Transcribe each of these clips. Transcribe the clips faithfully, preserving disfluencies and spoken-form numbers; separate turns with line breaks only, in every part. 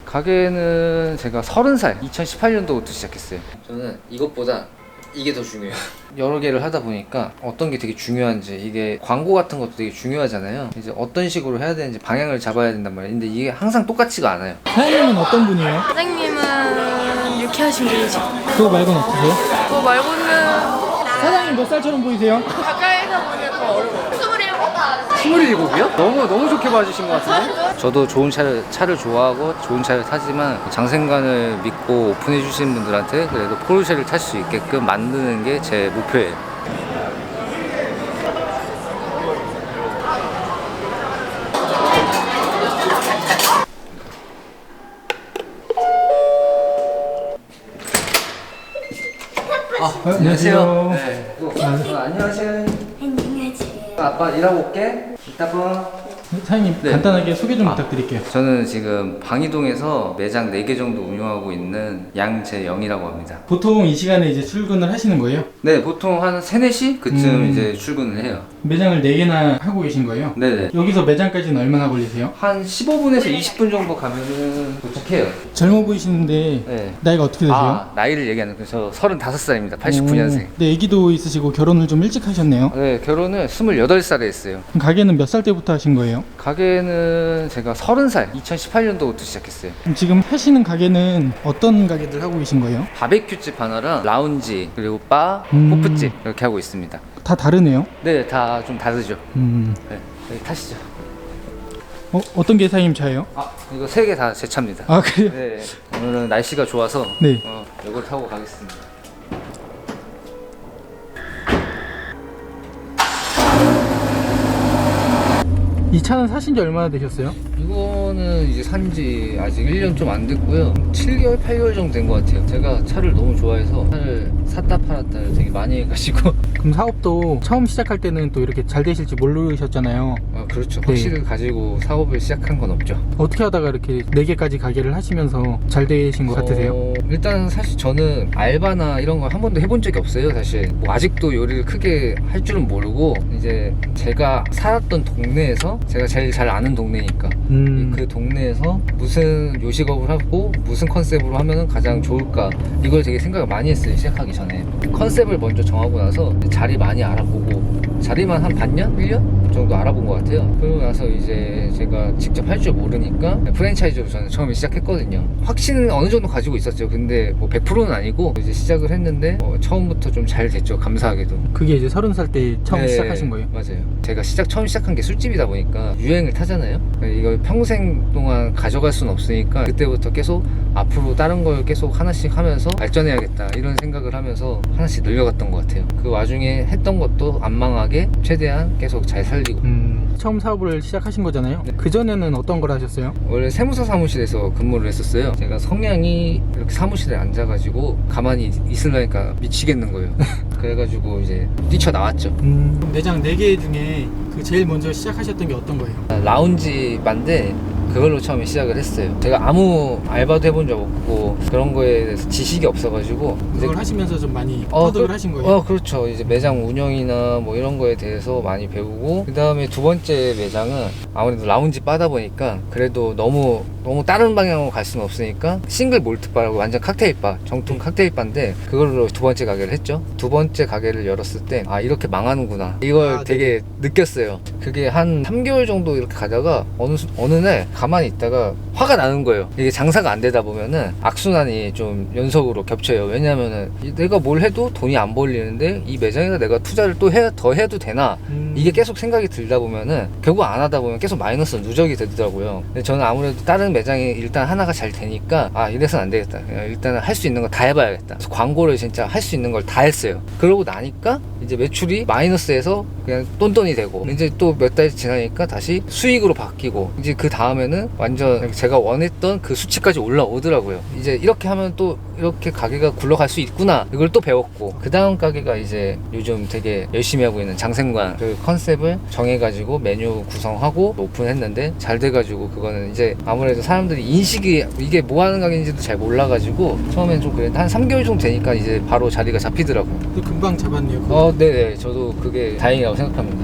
가게는 제가 서른 살 이천십팔 년도부터 시작했어요. 저는 이것보다 이게 더 중요해요. 여러 개를 하다 보니까 어떤 게 되게 중요한지, 이게 광고 같은 것도 되게 중요하잖아요. 이제 어떤 식으로 해야 되는지 방향을 잡아야 된단 말이에요. 근데 이게 항상 똑같지가 않아요.
사장님은 어떤 분이에요?
사장님은 유쾌하신 분이죠.
그거 말고는 없으세요?
그거 말고는
사장님 몇 살처럼 보이세요?
가까이서 보면 더 어려워요. 스물일곱.
스물일곱이요? 너무 너무 좋게 봐주신 것 같은데? 저도 좋은 차를 차를 좋아하고 좋은 차를 타지만 장생관을 믿고 오픈해 주시는 분들한테 그래도 포르쉐를 탈 수 있게끔 만드는 게 제 목표예요. 아, 안녕하세요. 네. 아, 안녕하세요.
안녕하세요.
아빠 일하고 올게. 이따 봐.
사장님
네.
간단하게 소개 좀
아.
부탁드릴게요.
저는 지금 방이동에서 매장 네 개 정도 운영하고 있는 양재영이라고 합니다.
보통 이 시간에 이제 출근을 하시는 거예요?
네, 보통 한 세, 네 시 그쯤
음.
이제 출근을 해요.
매장을 네 개나 하고 계신 거예요?
네네.
여기서 매장까지는 얼마나 걸리세요?
한 십오 분에서 이십 분 정도 가면은 도착해요.
젊어 보이시는데
네.
나이가 어떻게 되세요?
아, 나이를 얘기하는 거예요. 저 서른다섯 살입니다. 팔십구 년생.
오, 네, 애기도 있으시고 결혼을 좀 일찍 하셨네요.
네, 결혼을 스물여덟 살에 했어요.
그럼 가게는 몇 살 때부터 하신 거예요?
가게는 제가 서른 살 이천십팔 년도부터 시작했어요.
그럼 지금 하시는 가게는 어떤 가게들 하고 계신 거예요?
바베큐집 하나랑 라운지, 그리고 바,
음.
호프집 이렇게 하고 있습니다.
다 다르네요.
네, 다 좀 다르죠.
음.
네, 여기 타시죠.
어, 어떤 게 사장님 차예요?
아, 이거 세 개 다 제 차입니다.
아 그래요?
네, 오늘은 날씨가 좋아서
네.
어, 이걸 타고 가겠습니다.
이 차는 사신 지 얼마나 되셨어요?
이거는 이제 산지 아직 일 년 좀 안 됐고요. 칠 개월, 팔 개월 정도 된 것 같아요. 제가 차를 너무 좋아해서 차를 샀다 팔았다 되게 많이 해가지고.
그럼 사업도 처음 시작할 때는 또 이렇게 잘 되실지 모르셨잖아요.
아, 그렇죠.
네.
확실히 가지고 사업을 시작한 건 없죠.
어떻게 하다가 이렇게 네 개까지 가게를 하시면서 잘 되신 것 같으세요?
어, 일단 사실 저는 알바나 이런 걸 한 번도 해본 적이 없어요. 사실 뭐 아직도 요리를 크게 할 줄은 모르고, 이제 제가 살았던 동네에서, 제가 제일 잘 아는 동네니까
음.
그 동네에서 무슨 요식업을 하고 무슨 컨셉으로 하면 가장 좋을까, 이걸 되게 생각을 많이 했어요. 시작하기 전에 컨셉을 먼저 정하고 나서 자리 많이 알아보고, 자리만 한 반년? 일 년 정도 알아본 것 같아요. 그러고 나서 이제 제가 직접 할 줄 모르니까 프랜차이즈로 저는 처음에 시작했거든요. 확신은 어느 정도 가지고 있었죠. 근데 뭐 백 퍼센트는 아니고 이제 시작을 했는데 어, 처음부터 좀 잘 됐죠. 감사하게도.
그게 이제 서른 살 때 처음
네,
시작하신 거예요?
맞아요. 제가 시작 처음 시작한 게 술집이다 보니까 유행을 타잖아요. 이걸 평생 동안 가져갈 수는 없으니까 그때부터 계속 앞으로 다른 걸 계속 하나씩 하면서 발전해야겠다 이런 생각을 하면서 하나씩 늘려갔던 것 같아요. 그 와중에 했던 것도 안 망하게 최대한 계속 잘 살리고.
음, 처음 사업을 시작하신 거잖아요.
네.
그전에는 어떤 걸 하셨어요?
원래 세무사 사무실에서 근무를 했었어요. 제가 성향이 이렇게 사무실에 앉아가지고 가만히 있으려니까 미치겠는 거예요. 그래가지고 이제 뛰쳐나왔죠.
음, 매장 네 개 중에 그 제일 먼저 시작하셨던 게 어떤 거예요?
라운지 반데 그걸로 처음에 시작을 했어요. 제가 아무 알바도 해본 적 없고 그런 거에 대해서 지식이 없어가지고
그걸 하시면서 좀 많이
어,
터득을
그,
하신 거예요?
어, 그렇죠. 이제 매장 운영이나 뭐 이런 거에 대해서 많이 배우고, 그 다음에 두 번째 매장은 아무래도 라운지 바다 보니까 그래도 너무 너무 다른 방향으로 갈 수는 없으니까 싱글 몰트 바라고 완전 칵테일 바, 정통 칵테일 바인데 그걸로 두 번째 가게를 했죠. 두 번째 가게를 열었을 때 아, 이렇게 망하는구나 이걸
아,
되게 느꼈어요. 그게 한 삼 개월 정도 이렇게 가다가 어느 수- 어느 날 가만히 있다가 화가 나는 거예요. 이게 장사가 안 되다 보면은 악순환이 좀 연속으로 겹쳐요. 왜냐면은 내가 뭘 해도 돈이 안 벌리는데 이 매장에다 내가 투자를 또 해, 더 해도 되나,
음.
이게 계속 생각이 들다 보면은 결국 안 하다 보면 계속 마이너스 누적이 되더라고요. 근데 저는 아무래도 다른 매장이 일단 하나가 잘 되니까 아, 이래서는 안 되겠다. 일단은 할 수 있는 거 다 해봐야겠다. 그래서 광고를 진짜 할 수 있는 걸 다 했어요. 그러고 나니까 이제 매출이 마이너스에서 그냥 똔똔이 되고, 이제 또 몇 달 지나니까 다시 수익으로 바뀌고, 이제 그 다음에는 완전 제가 원했던 그 수치까지 올라오더라고요. 이제 이렇게 하면 또 이렇게 가게가 굴러갈 수 있구나, 이걸 또 배웠고, 그 다음 가게가 이제 요즘 되게 열심히 하고 있는 장생관, 그 컨셉을 정해가지고 메뉴 구성하고 오픈했는데 잘 돼가지고, 그거는 이제 아무래도 사람들이 인식이 이게 뭐 하는 가게인지도 잘 몰라가지고 처음엔 좀 그랬는데 한 삼 개월 정도 되니까 이제 바로 자리가 잡히더라고요.
근데 금방 잡았네요. 그거.
어, 네네. 저도 그게 다행이라고 생각합니다.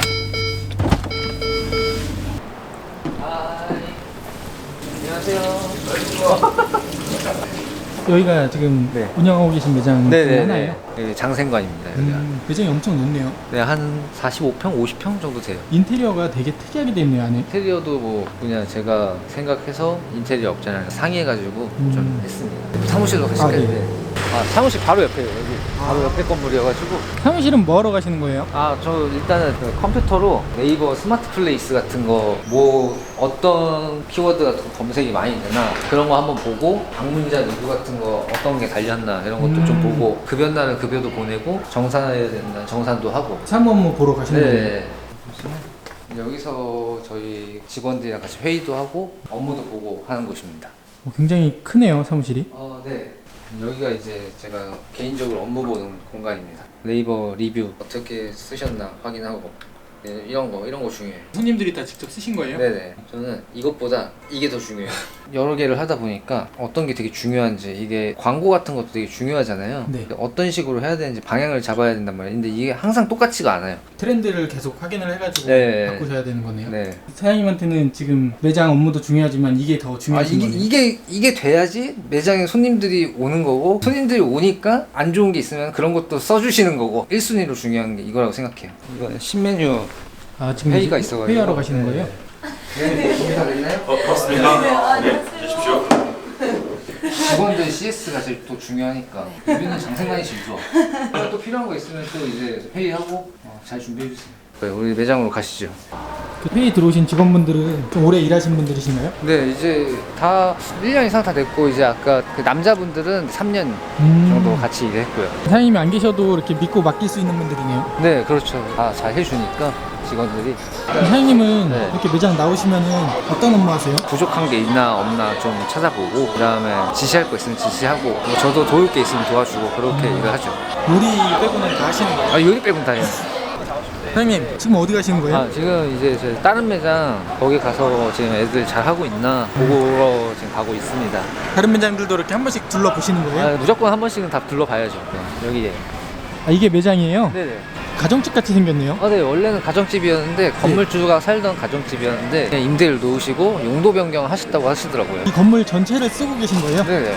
하이. 안녕하세요.
여기가 지금
네.
운영하고 계신 매장 중에 하나예요?
네, 장생관입니다. 여기가.
음, 매장이 엄청 높네요.
네, 한 사십오 평, 오십 평 정도 돼요.
인테리어가 되게 특이하게 돼 있네요, 안에.
인테리어도 뭐 그냥 제가 생각해서 인테리어 업자랑 상의해가지고
음.
좀 했습니다. 사무실로 가실까요?
아, 네.
네. 아, 사무실 바로 옆에요. 여기 바로 옆에 건물이어가지고.
사무실은 뭐 하러 가시는 거예요?
아, 저 일단은 그 컴퓨터로 네이버 스마트 플레이스 같은 거 뭐 어떤 키워드 같은 거 검색이 많이 되나 그런 거 한번 보고 방문자 리뷰 같은 거 어떤 게 달렸나 이런 것도
음.
좀 보고 급여 날은 급여도 보내고 정산해야 되는 날 정산도 하고.
사무 업무 보러 가시는 거예요?
네. 여기서 저희 직원들이랑 같이 회의도 하고 업무도 보고 하는 곳입니다.
어, 굉장히 크네요, 사무실이.
어, 네. 여기가 이제 제가 개인적으로 업무 보는 공간입니다. 네이버 리뷰 어떻게 쓰셨나 확인하고 네, 이런 거 이런 거 중요해요.
손님들이 다 직접 쓰신 거예요?
네네. 저는 이것보다 이게 더 중요해요. 여러 개를 하다 보니까 어떤 게 되게 중요한지, 이게 광고 같은 것도 되게 중요하잖아요.
네.
어떤 식으로 해야 되는지 방향을 잡아야 된단 말이에요. 근데 이게 항상 똑같지가 않아요.
트렌드를 계속 확인을 해가지고
네.
바꾸셔야 되는 거네요.
네.
사장님한테는 지금 매장 업무도 중요하지만 이게 더
아,
중요하신
이게,
거네요.
이게 이게 돼야지 매장에 손님들이 오는 거고, 손님들이 오니까 안 좋은 게 있으면 그런 것도 써주시는 거고, 일 순위로 중요한 게 이거라고 생각해요. 이거는 신메뉴
아, 지금
회의가
이제
있어가지고.
회의하러 가시는 거예요?
네, 준비 다 됐나요?
어, 그렇습니다. 네, 주십시오.
직원들 씨에스가 제일 또 중요하니까 우리는 장생관이 제일 좋아. 또 필요한 거 있으면 또 이제 회의하고 어, 잘 준비해 주세요. 네, 우리 매장으로 가시죠.
그 회의 들어오신 직원분들은 좀 오래 일하신 분들이신가요?
네, 이제 다 일 년 이상 다 됐고, 이제 아까 그 남자분들은 삼 년
음.
정도 같이 일했고요.
사장님이 안 계셔도 이렇게 믿고 맡길 수 있는 분들이네요.
네, 그렇죠. 다 잘 해주니까 직원들이.
사장님은
네.
이렇게 매장 나오시면은 어떤 업무 하세요?
부족한 게 있나 없나 좀 찾아보고, 그 다음에 지시할 거 있으면 지시하고, 뭐 저도 도울 게 있으면 도와주고, 그렇게 일을 하죠.
요리 빼고는 다 하시는 거예요?
아, 요리 빼곤 다 해요.
사장님 지금 어디 가시는 거예요?
아, 지금 이제 저 다른 매장 거기 가서 지금 애들 잘 하고 있나 보러 지금 가고 있습니다.
다른 매장들도 이렇게 한 번씩 둘러보시는 거예요?
아, 무조건 한 번씩은 다 둘러봐야죠. 네, 여기에.
아, 이게 매장이에요?
네네.
가정집 같이 생겼네요.
아, 네, 원래는 가정집이었는데, 건물주가 살던 가정집이었는데 그냥 임대를 놓으시고 용도 변경 하셨다고 하시더라고요.
이 건물 전체를 쓰고 계신 거예요?
네네.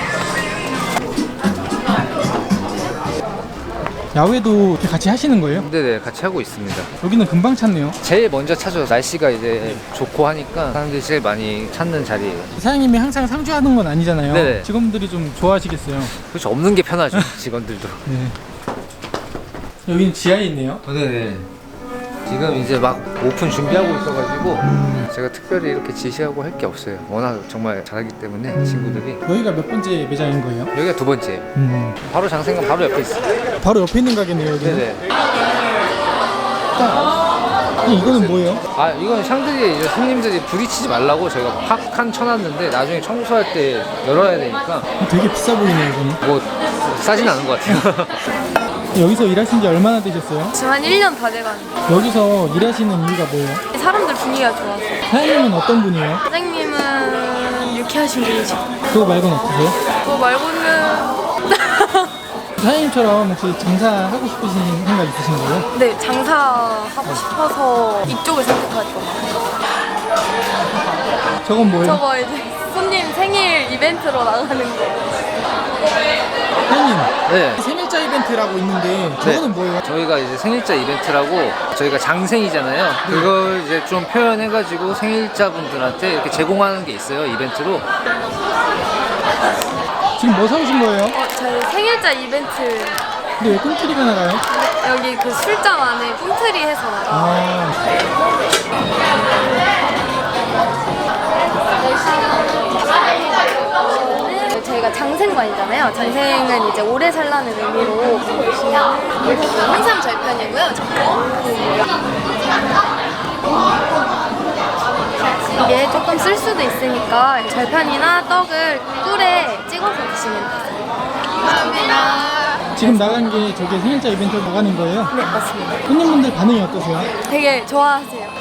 야외도 이렇게 같이 하시는 거예요?
네네, 같이 하고 있습니다.
여기는 금방 찾네요.
제일 먼저 찾아요. 날씨가 이제 좋고 하니까 사람들이 제일 많이 찾는 자리예요.
사장님이 항상 상주하는 건 아니잖아요.
네네.
직원들이 좀 좋아하시겠어요.
그렇죠. 없는 게 편하죠. 직원들도.
네. 여기는 지하에 있네요.
어, 네네. 지금 이제 막 오픈 준비하고 있어가지고
음.
제가 특별히 이렇게 지시하고 할 게 없어요. 워낙 정말 잘하기 때문에 친구들이.
여기가 몇 번째 매장인 거예요?
여기가 두 번째예요.
음.
바로 장생관 바로 옆에 있어요.
바로 옆에 있는 가게네요, 여기는.
네네.
이 이거는 뭐예요?
아, 이건 샹들리에 이제 손님들이 부딪히지 말라고 저희가 팍한 쳐놨는데, 나중에 청소할 때 열어야 되니까
되게 비싸 보이네요, 이거는.
뭐 싸진 않은 것 같아요.
여기서 일하신 지 얼마나 되셨어요?
지금 한 일 년 다 돼가는데
여기서 일하시는 이유가 뭐예요?
사람들 분위기가 좋아서.
사장님은 어떤 분이에요?
사장님은 유쾌하신 분이죠.
그거 말고는 없으세요?
그거 말고는
사장님처럼 혹시 장사하고 싶으신 생각 있으신 거예요?
네, 장사하고 싶어서 이쪽을 선택하죠.
저건 뭐예요?
저거 이제 손님 생일 이벤트로 나가는 거.
사장님,
네.
생일자 이벤트라고 있는데 저거는 뭐예요?
저희가 이제 생일자 이벤트라고, 저희가 장생이잖아요. 그걸 이제 좀 표현해가지고 생일자 분들한테 이렇게 제공하는 게 있어요, 이벤트로.
지금 뭐 사오신 거예요?
어, 저희 생일자 이벤트
근데 왜 꿈틀이가 나가요?
여기 그 술잔 안에 꿈틀이 해서 나가요.
아,
저희가 장생관이잖아요. 장생은 이제 오래 살라는 의미로 홍삼 절편이고요. 이게 조금 쓸 수도 있으니까 절편이나 떡을 꿀에 찍어서 드시면 돼요. 감사합니다.
지금 나간 게 저게 생일자 이벤트 나가는 거예요?
네, 맞습니다.
손님분들 반응이 어떠세요?
되게 좋아하세요.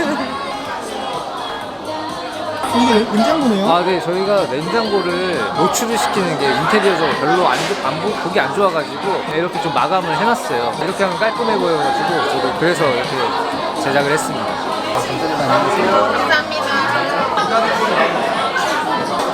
이게 냉장고네요?
아, 네, 저희가 냉장고를 노출을 시키는 게 인테리어적으로 별로 안, 좋- 안 보, 보기 안 좋아가지고 이렇게 좀 마감을 해놨어요. 이렇게 하면 깔끔해 보여가지고 저도 그래서 이렇게 제작을 했습니다. 감사합니다. 안녕히 계세요.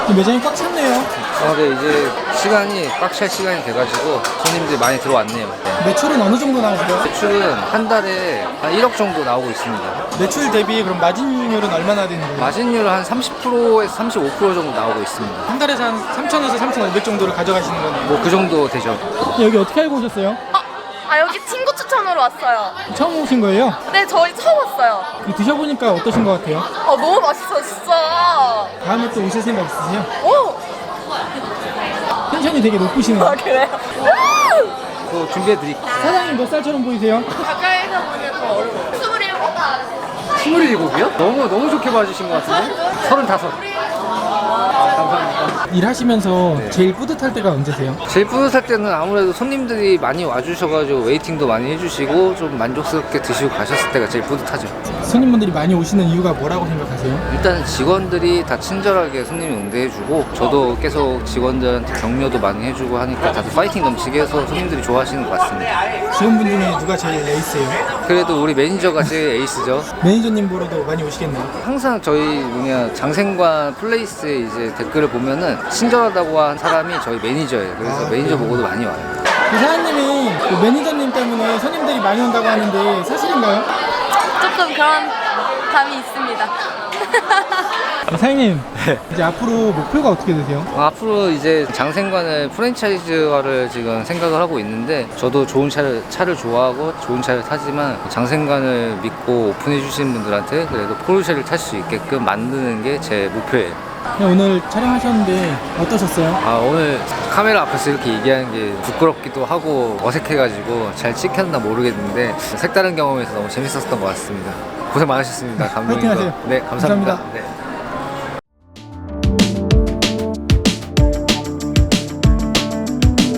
매장이 꽉 찼네요.
어, 네, 이제 시간이 꽉 찰 시간이 돼가지고 손님들이 많이 들어왔네요. 네.
매출은 어느 정도 나오세요?
매출은 한 달에 한 일억 정도 나오고 있습니다.
매출 대비 그럼 마진율은 얼마나 되는 거예요?
마진율은 한 삼십 퍼센트에서 삼십오 퍼센트 정도 나오고 있습니다.
한 달에서 한 삼천에서 삼천오백 정도를 가져가시는 거네요.
뭐 그 정도 되죠.
여기 어떻게 알고 오셨어요?
아 여기 친구 추천으로 왔어요.
처음 오신 거예요?
네 저희 처음 왔어요.
그 드셔보니까 어떠신 것 같아요?
아 너무 맛있어요 진짜.
다음에 또 오실 생각 있으세요?
오!
텐션이 되게 높으시네요.
아 그래요?
또 준비해드릴게요.
사장님 몇 살처럼 보이세요?
가까이서 보면 더 어려워요. 스물일곱.
스물일곱이요? 너무 너무 좋게 봐주신 것 같은데? 서른다섯. 아, 감사합니다.
일하시면서 제일 뿌듯할 때가 언제세요?
제일 뿌듯할 때는 아무래도 손님들이 많이 와주셔가지고 웨이팅도 많이 해주시고 좀 만족스럽게 드시고 가셨을 때가 제일 뿌듯하죠.
손님분들이 많이 오시는 이유가 뭐라고 생각하세요?
일단 직원들이 다 친절하게 손님 응대해주고 저도 계속 직원들한테 격려도 많이 해주고 하니까 다들 파이팅 넘치게 해서 손님들이 좋아하시는 것 같습니다.
직원분 중에 누가 제일 에이스예요?
그래도 우리 매니저가 제일 에이스죠.
매니저님 보러도 많이 오시겠네요.
항상 저희 뭐냐 장생관 플레이스에 이제 댓글을 보면은 친절하다고 한 사람이 저희 매니저예요. 그래서
아,
매니저
그래요?
보고도 많이 와요.
그 사장님이 그 매니저님 때문에 손님들이 많이 온다고 하는데 사실인가요?
조금 그런 감이 있습니다.
네, 사장님 이제 앞으로 목표가 어떻게 되세요?
어, 앞으로 이제 장생관을 프랜차이즈화를 지금 생각을 하고 있는데 저도 좋은 차를 차를 좋아하고 좋은 차를 타지만 장생관을 믿고 오픈해 주시는 분들한테 그래도 포르쉐를 탈 수 있게끔 만드는 게 제 목표예요.
네, 오늘 촬영하셨는데 어떠셨어요?
아 오늘 카메라 앞에서 이렇게 얘기하는 게 부끄럽기도 하고 어색해가지고 잘 찍혔나 모르겠는데 색다른 경험에서 너무 재밌었던 것 같습니다. 고생 많으셨습니다. 감독님도.
파이팅 하세요.
네 감사합니다.
감사합니다.
네.